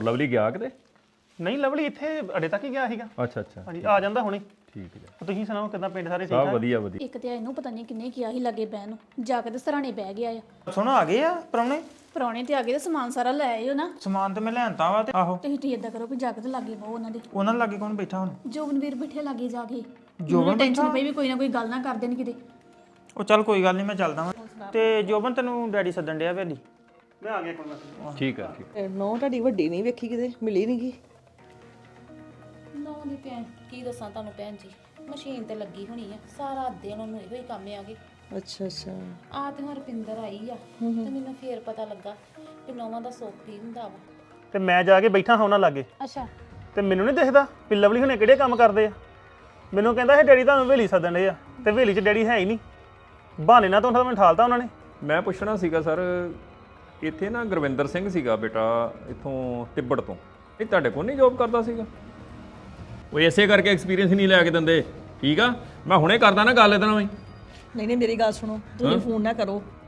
Lovely ਗਿਆ ਕਿਤੇ? ਨਹੀਂ ਲਵਲੀ ਇੱਥੇ ਅੜੇ ਤੱਕ ਹੀ ਗਿਆ ਸੀਗਾ। ਅੱਛਾ ਅੱਛਾ ਹਾਂਜੀ ਆ ਜਾਂਦਾ ਹੁਣੇ। ਠੀਕ ਹੈ। ਤੁਸੀਂ ਸੁਣਾਓ ਕਿਦਾਂ ਪਿੰਡ ਸਾਰੇ ਠੀਕ ਸਭ ਆ? ਵਧੀਆ ਵਧੀਆ। ਇੱਕ ਤੇ ਇਹਨੂੰ ਪਤਾ ਨਹੀਂ ਕਿੰਨੇ ਕਿਹਾ ਸੀ ਲੱਗੇ ਬਹਿਣ ਨੂੰ, ਜਾ ਕੇ ਤੇ ਸਰਾਣੇ ਬਹਿ ਗਿਆ ਆ। ਸੁਣੋ ਆ ਗਏ ਆ ਪ੍ਰਾਹੁਣੇ? ਪ੍ਰਾਹੁਣੇ ਤੇ ਆ ਗਏ ਤੇ ਸਮਾਨ ਸਾਰਾ ਲੈ ਆਇਓ ਨਾ। ਸਮਾਨ ਤੇ ਮੈਂ ਲੈਣਤਾ ਵਾ ਤੇ ਆਹੋ ਤੁਸੀਂ ਇਦਾਂ ਕਰੋ ਵੀ ਜਾ ਕੇ ਤੇ ਲਾਗੇ ਬਹੁ ਉਹਨਾਂ ਦੇ। ਉਹਨਾਂ ਲਾਗੇ ਕੌਣ ਬੈਠਾ ਹੁਣ? ਜੋਬਨਵੀਰ ਬਿਠੇ ਲਾਗੇ ਜਾ ਕੇ। ਜੋਬਨ ਟੈਨਸ਼ਨ ਪਈ ਵੀ ਕੋਈ ਨਾ ਕੋਈ ਗੱਲ ਨਾ ਕਰ ਦੇਣ ਕਿਤੇ। ਉਹ ਚੱਲ ਕੋਈ ਗੱਲ ਨਹੀਂ ਮੈਂ ਚੱਲਦਾ ਵਾਂ। ਤੇ ਜੋਬਨ ਤੈਨੂੰ ਡੈਡੀ ਸੱਦਣ ਡਿਆ ਵੇਲੀ। ਮੈਂ ਆ ਗਿਆ ਕੋਈ ਨਾ। ਠੀਕ ਹੈ ਠੀਕ। ਨੋ ਤੁਹਾਡੀ ਵੱਡੀ ਨਹੀਂ ਵੇਖੀ ਕਿਤੇ, ਮਿਲੀ ਨਹੀਂ ਗੀ। ਨਾ ਦੀ ਭੈਣ ਕੀ ਦੱਸਾਂ ਤੁਹਾਨੂੰ ਭੈਣ ਜੀ, ਮਸ਼ੀਨ ਤੇ ਲੱਗੀ ਹੋਣੀ ਆ ਸਾਰਾ ਦਿਨ, ਉਹਨੂੰ ਇਹੋ ਹੀ ਕੰਮ ਆਗੇ। ਅੱਛਾ ਅੱਛਾ। ਆ ਤੇ ਹੁਣ ਰੁਪਿੰਦਰ ਆਈ ਆ ਤੇ ਮੈਨੂੰ ਫੇਰ ਪਤਾ ਲੱਗਾ ਕਿ ਨੌਵਾਂ ਦਾ ਸੁੱਖ ਕੀ ਹੁੰਦਾ ਵਾ। ਤੇ ਮੈਂ ਜਾ ਕੇ ਬੈਠਾ ਹਾਂ ਉਹਨਾਂ ਲਾਗੇ ਅੱਛਾ ਤੇ ਮੈਨੂੰ ਨਹੀਂ ਦਿਖਦਾ ਵੀ ਲਵਲੀ ਹੁਣੇ ਕਿਹੜੇ ਕੰਮ ਕਰਦੇ ਆ। ਮੈਨੂੰ ਕਹਿੰਦਾ ਇਹ ਡੈਡੀ ਤੁਹਾਨੂੰ ਹਵੇਲੀ ਸੱਦਣ ਦੇ ਆ ਤੇ ਹਵੇਲੀ 'ਚ ਡੈਡੀ ਹੈ ਹੀ ਨਹੀਂ। ਬਹਾਨੇ ਨਾਲ ਤਾਂ ਮੈਨੂੰ ਠਾਲਤਾ ਉਹਨਾਂ ਨੇ। ਮੈਂ ਪੁੱਛਣਾ ਸੀਗਾ ਸਰ, ਇੱਥੇ ਨਾ ਗੁਰਵਿੰਦਰ ਸਿੰਘ ਸੀਗਾ ਬੇਟਾ ਇੱਥੋਂ ਤਿੱਬੜ ਤੋਂ, ਇਹ ਤੁਹਾਡੇ ਕੋਲ ਨਹੀਂ ਜੋਬ ਕਰਦਾ ਸੀਗਾ? ਉਹ ਇਸੇ ਕਰਕੇ ਐਕਸਪੀਰੀਅੰਸ ਨਹੀਂ ਲੈ ਕੇ ਦਿੰਦੇ। ਠੀਕ ਆ, ਮੈਂ ਹੁਣੇ ਕਰਦਾ ਨਾ ਗੱਲ ਇਹਦੇ ਨਾਲ ਵੀ। ਨਹੀਂ ਨਹੀਂ ਮੇਰੀ ਗੱਲ ਸੁਣੋ, ਤੁਸੀਂ ਫੋਨ ਨਾ ਕਰੋ।